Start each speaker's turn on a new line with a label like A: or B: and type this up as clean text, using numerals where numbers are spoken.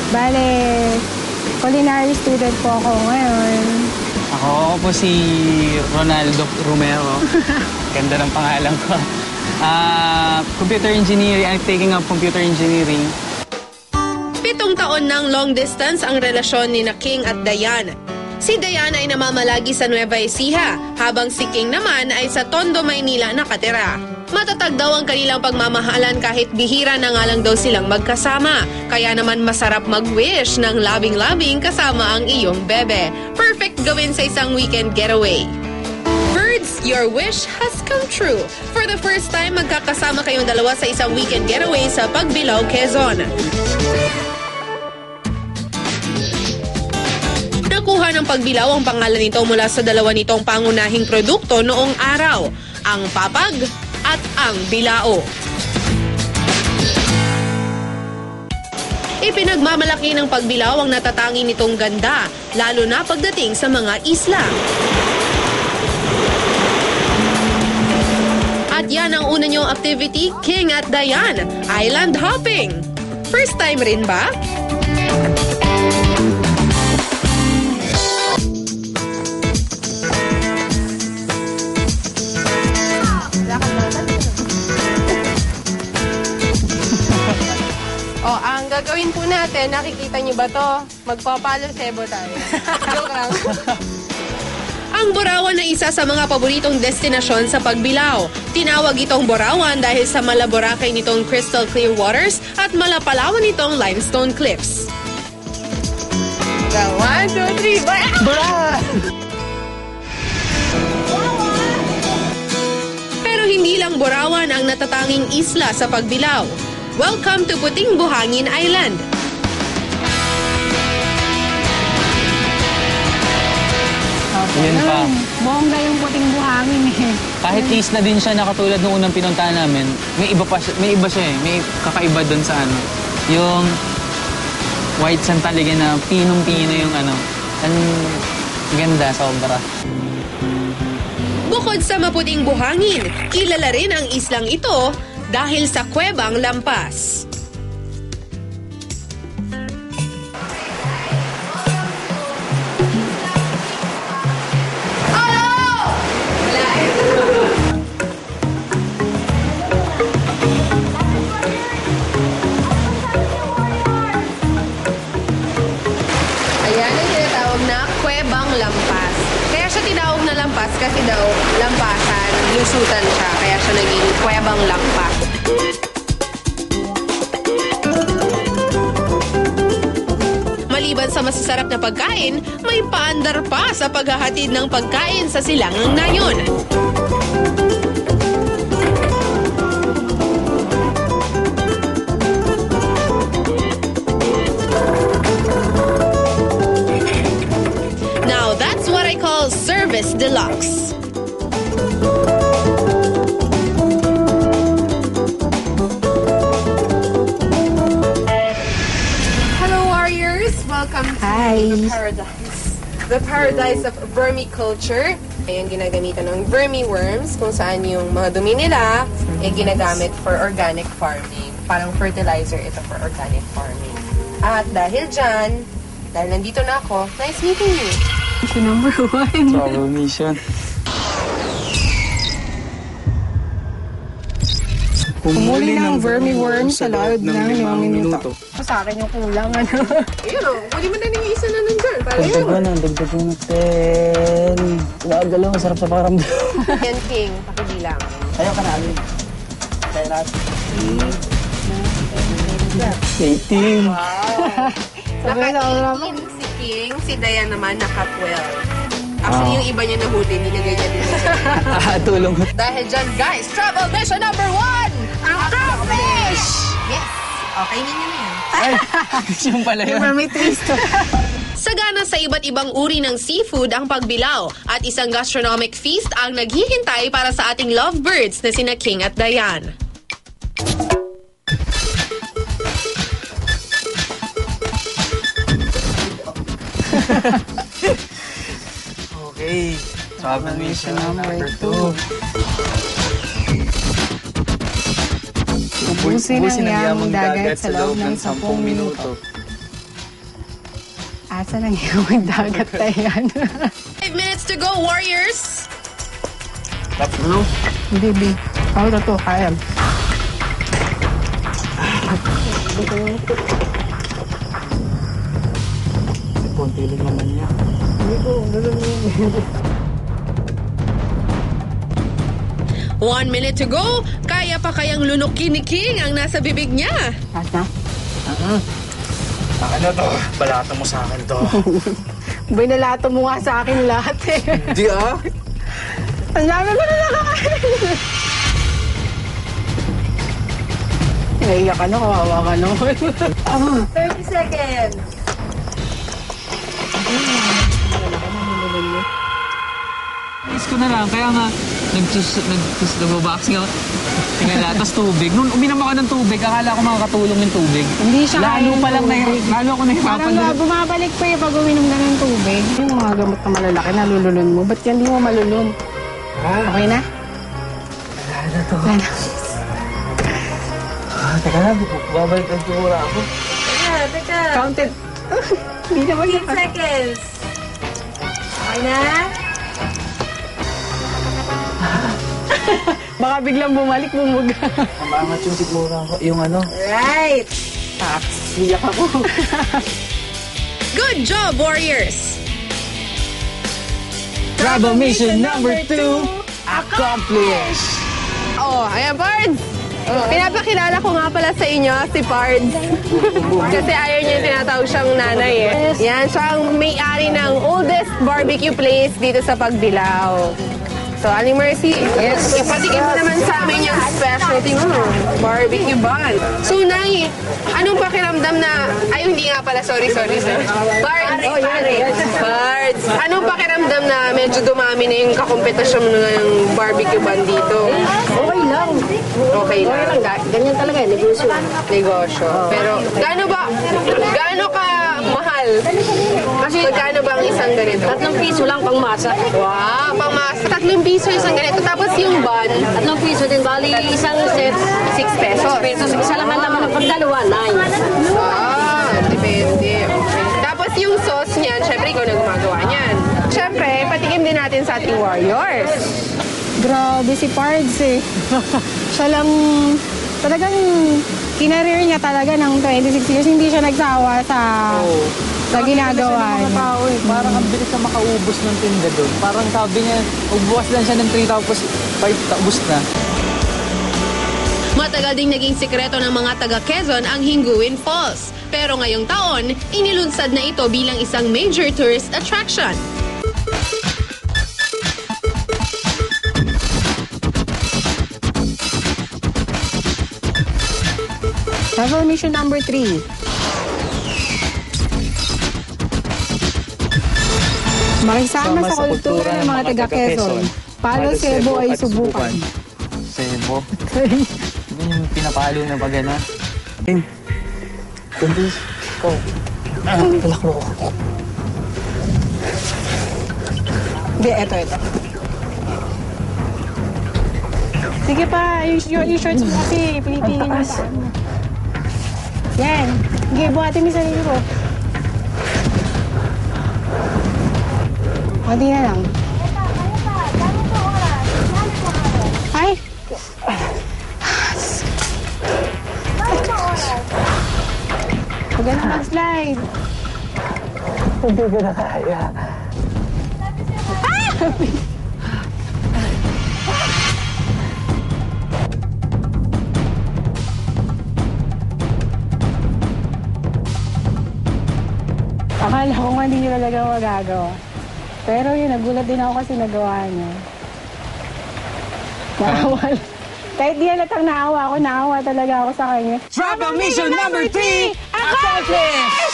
A: Bale, culinary student po ako ngayon.
B: Ako po si Ronaldo Romero. Ganda ng pangalan ko. Computer engineering. I'm taking up computer engineering.
C: 7 taon ng long distance ang relasyon ni King at Dayan. Si Dayan ay namamalagi sa Nueva Ecija, habang si King naman ay sa Tondo, Maynila nakatira. Matatag daw ang kanilang pagmamahalan kahit bihira na nga lang daw silang magkasama. Kaya naman masarap mag-wish ng labing-labing kasama ang iyong bebe. Perfect gawin sa isang weekend getaway. Birds, your wish has come true. For the first time, magkakasama kayong dalawa sa isang weekend getaway sa Pagbilao, Quezon. Nakuha ng Pagbilao ang pangalan nito mula sa dalawa nitong pangunahing produkto noong araw, ang papag at ang bilao. Ipinagmamalaki ng Pagbilao ang natatangi nitong ganda, lalo na pagdating sa mga isla. At yan ang una niyong activity, King at Dayan, island hopping. First time rin ba?
A: Ang gagawin po natin, nakikita niyo ba to? Magpapalo sebo tayo. Joke lang.
C: Ang Borawan ay isa sa mga paboritong destinasyon sa Pagbilao. Tinawag itong Borawan dahil sa malaborakay nitong crystal clear waters at malapalawan nitong limestone cliffs.
A: 1, 2, 3, bara!
C: Pero hindi lang Borawan ang natatanging isla sa Pagbilao. Welcome to Puting Buhangin Island.
B: Yan pa.
A: Bongga yung puting buhangin eh.
B: Kahit isla din siya na katulad nung unang pinuntahan namin, may iba siya eh. May kakaiba doon sa ano. Yung white sand talaga na pinong-pino yung ano. Ang ganda, sobra.
C: Bukod sa maputing buhangin, kilala rin ang islang ito dahil sa Kuwebang Lampas. Ayan ang tinatawag na Kuwebang Lampas. Kaya siya tinawag na lampas kasi daw lampasan, lusutan siya. Kaya siya naging Kuwebang Lampas. Maliban sa masasarap na pagkain, may paandar pa sa paghahatid ng pagkain sa silangang nayon. Now that's what I call service deluxe. Welcome to the paradise. The paradise of vermiculture. Ayan, ginagamitan ng vermiworms kung saan yung mga dumi nila ginagamit for organic farming. Parang fertilizer ito for organic farming. At dahil dyan, dahil nandito na ako, nice meeting you.
A: Mission number 1.
B: Travel mission.
A: Humuli ng vermiworm sa loob ng 5 minuto. Sa akin yung kulang, ano?
C: Ayun o, huli mo na yung isa na nandyan. Para yun.
B: Dagdagan natin. Gagalaw, sarap sa pakiramdam.
C: Yan, King, pakibilang.
B: Ayaw ka namin. Kaya natin. 18.
C: Naka-18 si King, si Dayan naman naka-12. Actually, yung iba niya nahuli, nilagay niya din siya.
B: Tulong.
C: Dahil dyan, guys, travel mission number 1! Ang crawfish! Yes. Okay, ninyo na yan.
B: Ay, yung pala yun.
A: May twist.
C: Sagana sa iba't ibang uri ng seafood ang Pagbilao at isang gastronomic feast ang naghihintay para sa ating lovebirds na sina King at Dayan.
B: Okay. Travel mission number 2.
A: Ubusin ang yamang dagat sa loob ng 10 minuto. Asa na yung dagat na yan?
C: 5 minutes to go, Warriors!
A: Hindi, B. Ako na to, kaya.
B: Konti lang naman niya.
A: Hindi ko, gagawin.
C: 1 minute to go. Kaya pa kayang lunukin ni King ang nasa bibig niya?
A: Asa?
B: Ano to? Balata mo sa akin to.
A: Binalato mo nga sa akin lahat eh.
B: Di ah?
A: Ang dami ko na nakakain. Naiyak ka na, kawawa ka na.
D: 30 seconds.
B: Is ko na lang, kaya nga nagbo-boxing ako. Tingala, tapos tubig. Nung uminom ako ng tubig, akala ko makakatulong yung tubig.
A: Hindi siya
B: Lalo
A: kaya
B: pa lang
A: ng tubig.
B: lalo ako
A: Parang
B: nahihirapan.
A: bumabalik pa yung pag uminom na ng tubig. Yung mga gamot na malalaki, nalululun mo. Ba't yan di mo malulun? Okay na?
B: Wala na to.
A: Wala na.
B: Teka lang, babalik ang tura ako.
D: Teka.
A: Counted. Hindi naman
D: 15 seconds. Okay na?
A: Baka biglang bumalik, bumuga.
B: Maangat yung siguro ako. Yung ano?
D: Right.
A: Iyak ako.
C: Good job, Warriors!
B: Travel mission number 2 accomplished!
C: Oh, ayan, Pards! Pinapakilala ko nga pala sa inyo si Pards. Kasi ayaw niya yung tinatawag siyang nanay eh. Yan, siya ang may-ari ng oldest barbecue place dito sa Pagbilao. So, Aling Mercy, ipatikim mo naman sa amin yung specialty mo, barbecue bun. So, Nay, anong pakiramdam na, ay hindi nga pala, sorry. Pards, Pards, anong pakiramdam na medyo dumami na yung kakompetasyon ng barbecue bun dito?
D: Okay lang.
C: Okay lang.
D: Ganyan talaga, negosyo.
C: Negosyo. Pero, gaano ka mahal? Kasi, gaano ba ang isang ganito?
D: 3 piso lang pang masa.
C: Wow, pamasa. 3 piso isang ganito. Tapos yung bun,
D: 3 piso din. Bali, isang set,
C: 6 pesos.
D: pesos. Isa naman naman ang pagdalawa, 9.
C: Ah, depende. Okay. Tapos yung sauce niyan, syempre ikaw na gumagawa niyan. Syempre, patikim din natin sa ating warriors.
A: Grabe si Pards eh. Siya lang, talagang kinareer niya talaga ng 26 years. Hindi siya nagsawa sa ginagawa niya.
B: Tao eh. Parang ang bilis na makaubos ng tinda doon. Parang sabi niya, magbukas lang siya ng 3 tapos 5 ubos na.
C: Matagal ding naging sikreto ng mga taga Quezon ang Hinguin Falls. Pero ngayong taon, inilunsad na ito bilang isang major tourist attraction.
A: Travel mission number 3. Makisama sa kultura ng mga taga Quezon. Palo Sebo ay subukan.
B: Sebo? Yun yung pinapalo na pag gano'n. Kundi, ikaw. Talaklo ko.
A: Hindi, eto. Sige pa, yung shorts mo kasi, pinitingin mo pa. Yan. Sige, buhatin mo yung sarili ko. Kunti na lang. Ay! Huwag ka na mag-slide.
B: Hindi ko na kaya.
A: Akala ko nga hindi nyo talaga magagawa. Pero yun, nagulat din ako kasi nagawa niya. Naawa. Kahit di halatang naawa ako talaga ako sa kanya.
B: Travel mission number 3 accomplished!